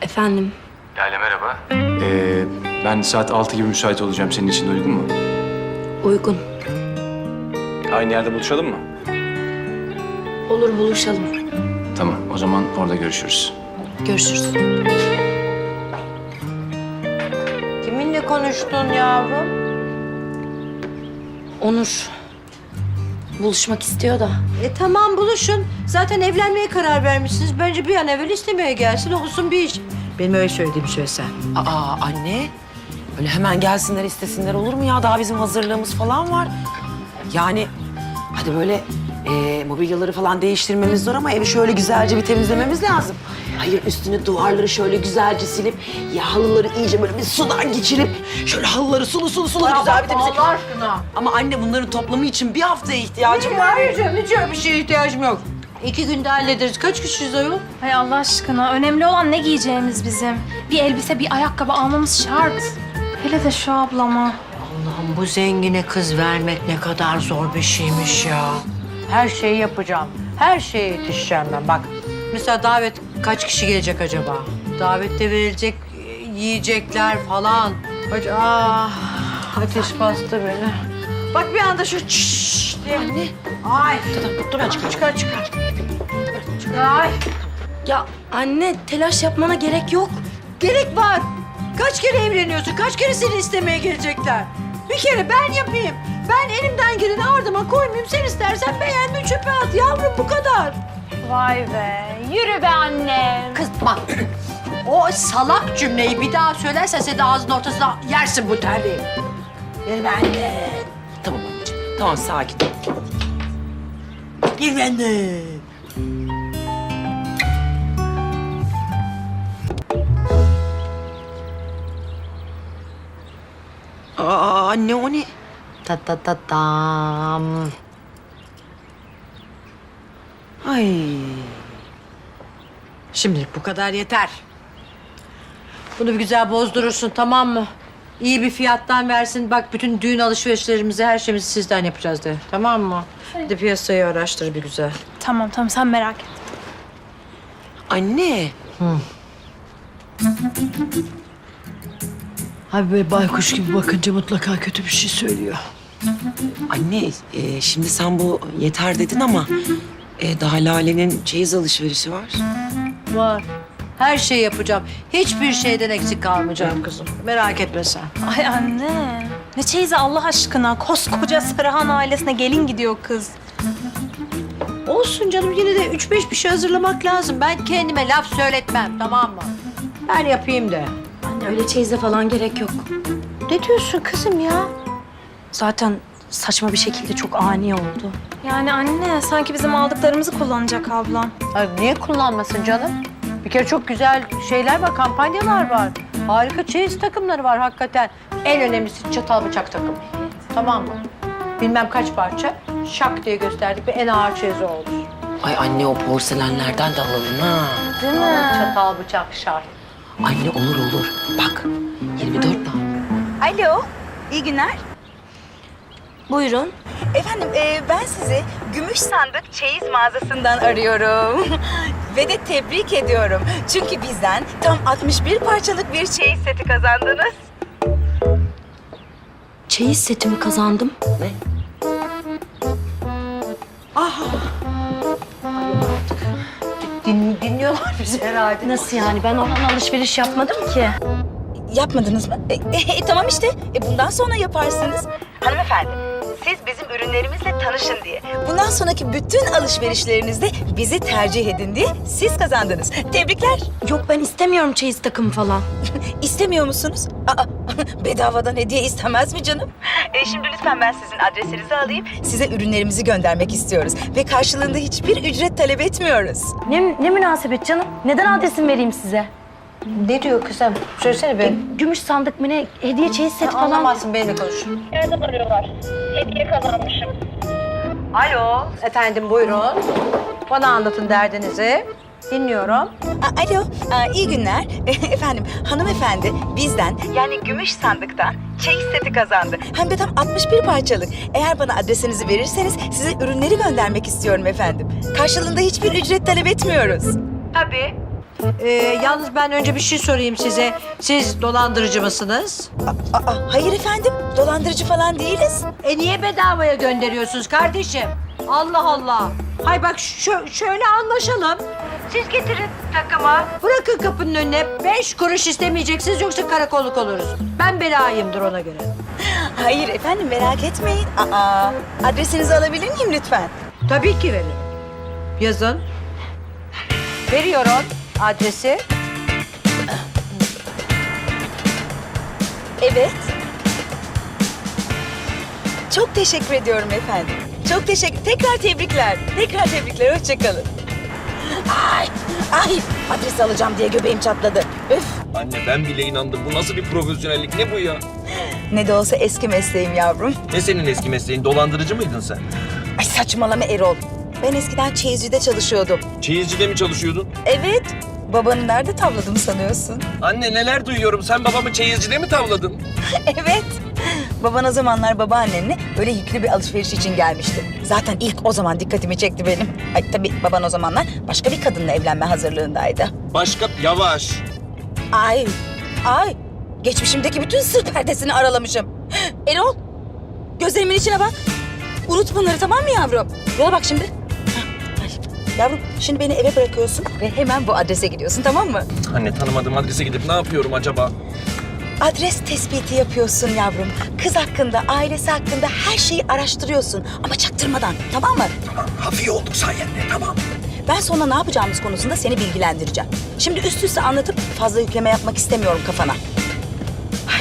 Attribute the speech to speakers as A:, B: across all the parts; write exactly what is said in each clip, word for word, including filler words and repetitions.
A: Efendim?
B: Lale merhaba. Ee, ben saat altı gibi müsait olacağım. Senin için de uygun mu?
A: Uygun.
B: Aynı yerde buluşalım mı?
A: Olur, buluşalım.
B: Tamam, o zaman orada görüşürüz.
A: Görüşürüz.
C: Kiminle konuştun yavrum?
A: Onur buluşmak istiyor da.
C: E tamam buluşun. Zaten evlenmeye karar vermişsiniz. Bence bir an evvel istemeye gelsin, olsun bir iş. Benim öyle söylediğimi söylesen.
D: Aa anne, öyle hemen gelsinler istesinler olur mu ya? Daha bizim hazırlığımız falan var. Yani hadi böyle e, mobilyaları falan değiştirmemiz zor ama evi şöyle güzelce bir temizlememiz lazım. Hayır üstünü duvarları şöyle güzelce silip ya halıları iyice böyle bir sudan geçirip şöyle halıları sulu sulu sulu güzel bir temizle.
C: Allah aşkına.
D: Ama anne bunların toplamı için bir haftaya ihtiyacım var.
C: Hayır canım, hiç öyle bir şeye ihtiyacım yok. İki günde hallederiz. Kaç kişiyiz ayol?
E: Hay Allah aşkına. Önemli olan ne giyeceğimiz bizim. Bir elbise, bir ayakkabı almamız şart. Hele de şu ablama.
C: Allah'ım bu zengine kız vermek ne kadar zor bir şeymiş ya. Her şeyi yapacağım. Her şeye yetişeceğim ben. Bak mesela davet kaç kişi gelecek acaba? Davette verilecek yiyecekler falan. Ac- Ah, ateş bastı beni. Bak bir anda şu çiş diye.
D: Anne.
C: Ay.
D: Dur, dur ben çıkarım.
C: Çıkar çıkar. Çıkar. Ay.
A: Ya anne, telaş yapmana gerek yok.
C: Gerek var. Kaç kere evleniyorsun? Kaç kere seni istemeye gelecekler? Bir kere ben yapayım. Ben elimden geleni ardıma koymayayım. Sen istersen beğenme çöpe at. Yavrum bu kadar.
E: Vay be. Yürü be annem.
C: Kız bak. O salak cümleyi bir daha söylersen sen de ağzının ortasına yersin bu terliği. Gel benimle.
D: Tamam anneciğim. Tamam sakin.
C: Gel benimle.
D: Aa anne o ne?
C: Ta ta ta tam.
D: Ay.
C: Şimdilik bu kadar yeter. Bunu bir güzel bozdurursun, tamam mı? İyi bir fiyattan versin. Bak bütün düğün alışverişlerimizi, her şeyimizi sizden yapacağız de. Tamam mı? Bir de piyasayı araştır bir güzel.
E: Tamam tamam, sen merak et.
D: Anne.
C: Abi böyle baykuş gibi bakınca mutlaka kötü bir şey söylüyor.
D: Anne e, şimdi sen bu yeter dedin ama e, daha Lale'nin çeyiz alışverişi var.
C: Var. Her şeyi yapacağım. Hiçbir şeyden eksik kalmayacağım kızım. Merak etme sen.
E: Ay anne. Ne çeyizi Allah aşkına. Koskoca Sarıhan ailesine gelin gidiyor kız.
C: Olsun canım, yine de üç beş bir şey hazırlamak lazım. Ben kendime laf söyletmem, tamam mı? Ben yapayım de.
A: Anne, öyle çeyize falan gerek yok.
C: Ne diyorsun kızım ya?
A: Zaten saçma bir şekilde çok ani oldu.
E: Yani anne, sanki bizim aldıklarımızı kullanacak ablam.
C: Ay niye kullanmasın canım? Bir kere çok güzel şeyler var, kampanyalar var. Harika çeyiz takımları var hakikaten. En önemlisi çatal bıçak takımı. Tamam mı? Bilmem kaç parça, şak diye gösterdik ve en ağır çeyiz o olur.
D: Ay anne o porselenlerden de alalım ha.
E: Değil
C: Ama
E: mi?
C: çatal bıçak şart.
D: Anne olur olur. Bak yirmi dört tane.
F: Alo, iyi günler.
A: Buyurun.
F: Efendim, e, ben sizi Gümüş Sandık Çeyiz mağazasından arıyorum. Ve de tebrik ediyorum. Çünkü bizden tam altmış bir parçalık bir çeyiz seti kazandınız.
A: Çeyiz setimi kazandım.
D: Ne?
C: Din, dinliyorlar bizi herhalde.
A: Nasıl yani? Ben oradan alışveriş yapmadım ki.
F: Yapmadınız mı? E, e, tamam işte, e, bundan sonra yaparsınız. Hanımefendi, siz bizim ürünlerimizle tanışın diye. Bundan sonraki bütün alışverişlerinizde bizi tercih edin diye siz kazandınız. Tebrikler.
A: Yok, ben istemiyorum çeyiz takımı falan.
F: İstemiyor musunuz? Aa, bedavadan hediye istemez mi canım? E, şimdi lütfen ben sizin adresinizi alayım. Size ürünlerimizi göndermek istiyoruz. Ve karşılığında hiçbir ücret talep etmiyoruz.
A: Ne, ne münasebet canım? Neden adresimi vereyim size?
C: Ne diyor kızım? Söylesene be.
A: Gümüş sandık mı ne? Hediye çeyiz seti falan.
C: Anlamazsın, benimle konuş.
G: Nereden arıyorlar? Hediye kazanmışım.
C: Alo. Efendim buyurun. Bana anlatın derdinizi. Dinliyorum.
F: Aa, alo, Aa, iyi günler. Efendim, hanımefendi bizden yani Gümüş Sandık'tan çeyiz seti kazandı. Hem de tam altmış bir parçalık. Eğer bana adresinizi verirseniz size ürünleri göndermek istiyorum efendim. Karşılığında hiçbir ücret talep etmiyoruz.
C: Tabii. Ee, yalnız ben önce bir şey sorayım size. Siz dolandırıcı mısınız?
F: Aa, hayır efendim, dolandırıcı falan değiliz.
C: E niye bedavaya gönderiyorsunuz kardeşim? Allah Allah. Hay bak şö- şöyle anlaşalım. Siz getirin takıma. Bırakın kapının önüne. Beş kuruş istemeyeceksiniz yoksa karakolluk oluruz. Ben belayımdır ona göre.
F: Hayır efendim, merak etmeyin. Aa, adresinizi alabilir miyim lütfen?
C: Tabii ki veririm. Yazın. Veriyorum adresi.
F: Evet. Çok teşekkür ediyorum efendim. Çok teşekkür. Tekrar tebrikler. Tekrar tebrikler. Hoşça kalın. Ay, ay. Adresi alacağım diye göbeğim çatladı. Üf.
H: Anne ben bile inandım. Bu nasıl bir profesyonellik? Ne bu ya?
F: Ne de olsa eski mesleğim yavrum.
H: Ne senin eski mesleğin? Dolandırıcı mıydın sen?
F: Ay saçmalama Erol. Ben eskiden çeyizcide çalışıyordum.
H: Çeyizcide mi çalışıyordun?
F: Evet. Babanı nerede tavladım sanıyorsun?
H: Anne neler duyuyorum. Sen babamı çeyizcide mi tavladın?
F: Evet. Baban o zamanlar babaannenle böyle yüklü bir alışveriş için gelmişti. Zaten ilk o zaman dikkatimi çekti benim. Ay tabii baban o zamanlar başka bir kadınla evlenme hazırlığındaydı.
H: Başka... Yavaş.
F: Ay, ay. Geçmişimdeki bütün sır perdesini aralamışım. Erol, gözlerimin içine bak. Unut bunları, tamam mı yavrum? Yola bak şimdi. Hah, ay. Yavrum, şimdi beni eve bırakıyorsun ve hemen bu adrese gidiyorsun, tamam mı?
H: Anne tanımadığım adrese gidip ne yapıyorum acaba?
F: Adres tespiti yapıyorsun yavrum. Kız hakkında, ailesi hakkında her şeyi araştırıyorsun. Ama çaktırmadan, tamam mı?
H: Tamam, hafif olduk sayende, tamam.
F: Ben sonra ne yapacağımız konusunda seni bilgilendireceğim. Şimdi üst üste anlatıp fazla yükleme yapmak istemiyorum kafana. Ay.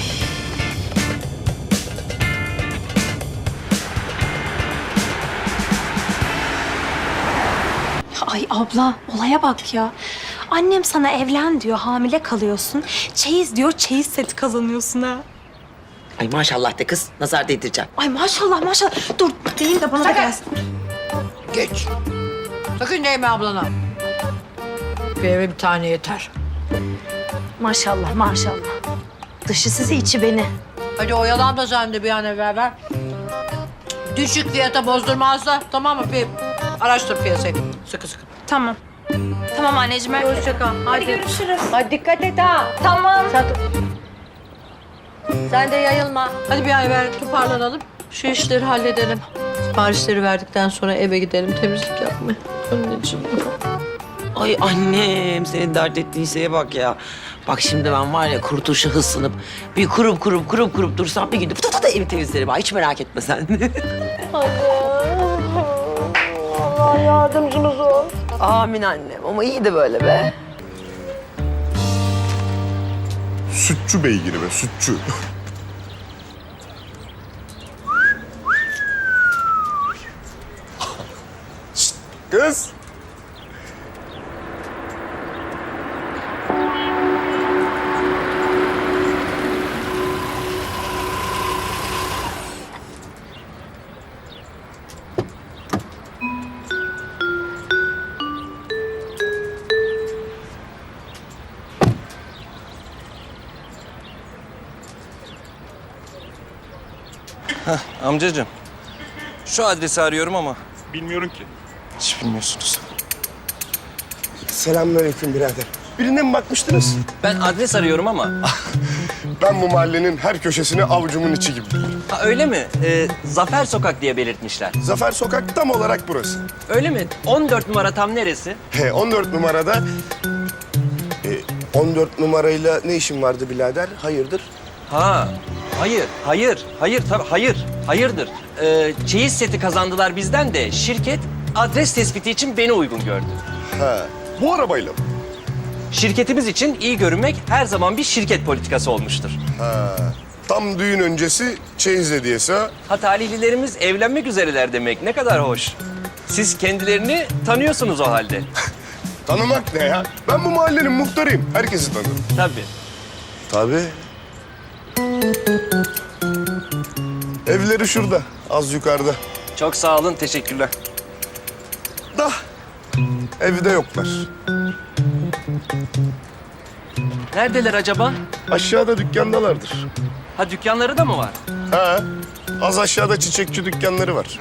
A: Ay abla olaya bak ya. Annem sana evlen diyor, hamile kalıyorsun. Çeyiz diyor, çeyiz seti kazanıyorsun ha.
D: Ay maşallah de kız. Nazar değdireceğim.
A: Ay maşallah maşallah. Dur diyeyim de bana da gelsin.
C: Geç. Sakın değme ablana. Bir eve bir tane yeter.
A: Maşallah maşallah. Dışı sizi içi beni.
C: Hadi oyalan da sen de bir an evvel ver. Düşük fiyata bozdurmazsa tamam mı? Bir araştır piyasayı. Sıkı sıkı.
A: Tamam. Tamam anneciğim. ben-
C: Hoşça kal.
A: Hadi görüşürüz.
C: Hadi dikkat et ha.
A: Tamam.
C: Sen, sen de yayılma. Hadi bir an evvel toparlanalım. Şu işleri halledelim. Siparişleri verdikten sonra eve gidelim temizlik yapmaya. Anneciğim.
D: Ay annem senin dert ettiğin şeye bak ya. Bak şimdi ben var ya kurtuluşa hırslanıp bir kurup kurup kurup kurup dursam bir günde pıtı pıtı evi temizlerim. Ay hiç merak etme sen.
C: Allah yardımcınız ol.
D: Amin annem ama iyi de böyle be.
I: Sütçü beygiri be, sütçü. Şşt, kız.
H: Amcacığım. Şu adresi arıyorum ama.
I: Bilmiyorum ki.
H: Hiç bilmiyorsunuz.
I: Selamünaleyküm birader. Birine mi bakmıştınız?
H: Ben adres arıyorum ama.
I: Ben bu mahallenin her köşesini avucumun içi gibi bilirim.
J: Ha, öyle mi? Ee, Zafer Sokak diye belirtmişler.
I: Zafer Sokak tam olarak burası.
J: Öyle mi? on dört numara tam neresi?
I: He, on dört numarada... E, on dört numarayla ne işin vardı birader? Hayırdır?
J: Ha, hayır, hayır, hayır, tabii hayır, hayırdır. Ee, çeyiz seti kazandılar bizden de şirket adres tespiti için beni uygun gördü.
I: Ha, bu arabayla mı?
J: Şirketimiz için iyi görünmek her zaman bir şirket politikası olmuştur.
I: Ha, tam düğün öncesi çeyiz hediyesi ha.
J: Ha talihlilerimiz evlenmek üzereler demek ne kadar hoş. Siz kendilerini tanıyorsunuz o halde.
I: Tanımak ne ya? Ben bu mahallenin muhtarıyım. Herkesi tanırım.
J: Tabii.
I: Tabii. Evleri şurada, az yukarıda.
J: Çok sağ olun, teşekkürler.
I: Da evde yoklar.
J: Neredeler acaba?
I: Aşağıda dükkandalardır.
J: Ha dükkanları da mı var?
I: Ha, az aşağıda çiçekçi dükkanları var.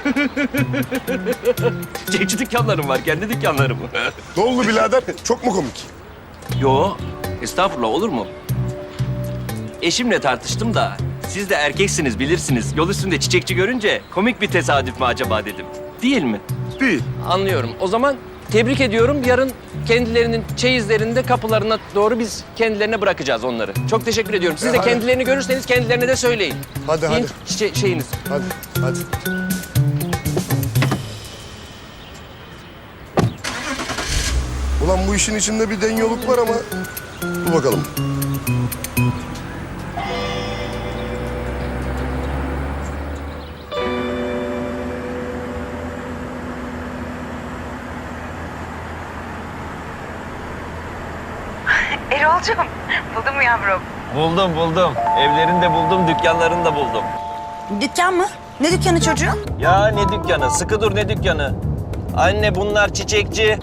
J: Çiçekçi dükkanlarım var, kendi dükkanlarım.
I: Ne oldu birader? Çok mu komik?
J: Yo, estağfurullah olur mu? Eşimle tartıştım da siz de erkeksiniz bilirsiniz. Yol üstünde çiçekçi görünce komik bir tesadüf mü acaba dedim. Değil mi?
I: Değil.
J: Anlıyorum. O zaman tebrik ediyorum. Yarın kendilerinin çeyizlerinde kapılarına doğru biz kendilerine bırakacağız onları. Çok teşekkür ediyorum. Siz de
I: hadi.
J: kendilerini görürseniz kendilerine de söyleyin.
I: Hadi,
J: Yiyin
I: hadi.
J: çiçe- şeyiniz.
I: Hadi, hadi. Ulan bu işin içinde bir denyoluk var ama dur bakalım.
F: Erol'cum buldun mu yavrum?
J: Buldum buldum. Evlerini de buldum, dükkanlarını da buldum.
F: Dükkan mı? Ne dükkanı çocuğum?
J: Ya ne dükkanı? Sıkı dur ne dükkanı? Anne bunlar çiçekçi.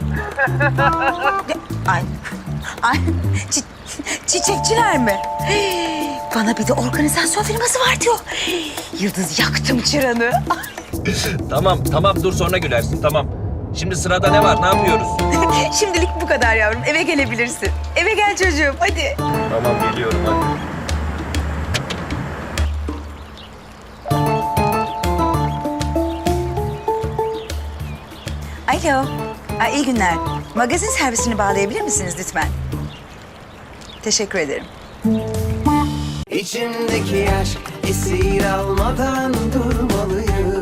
F: Ay, ay çi- çiçekçiler mi? Bana bir de organizasyon firması var diyor. Yıldız yaktım çıranı.
J: Tamam tamam dur sonra gülersin tamam. Şimdi sırada ne var? Ne yapıyoruz?
F: Şimdilik bu kadar yavrum. Eve gelebilirsin. Eve gel çocuğum hadi.
J: Tamam geliyorum hadi.
F: Alo. Ay, iyi günler. Magazin servisini bağlayabilir misiniz lütfen? Teşekkür ederim.
K: İçimdeki aşk esir almadan durmalıyım.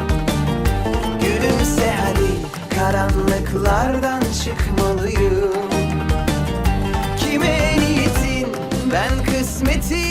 K: Gülümse hadi, karanlıklardan çıkmalıyım. Kime niyetin, ben kısmetin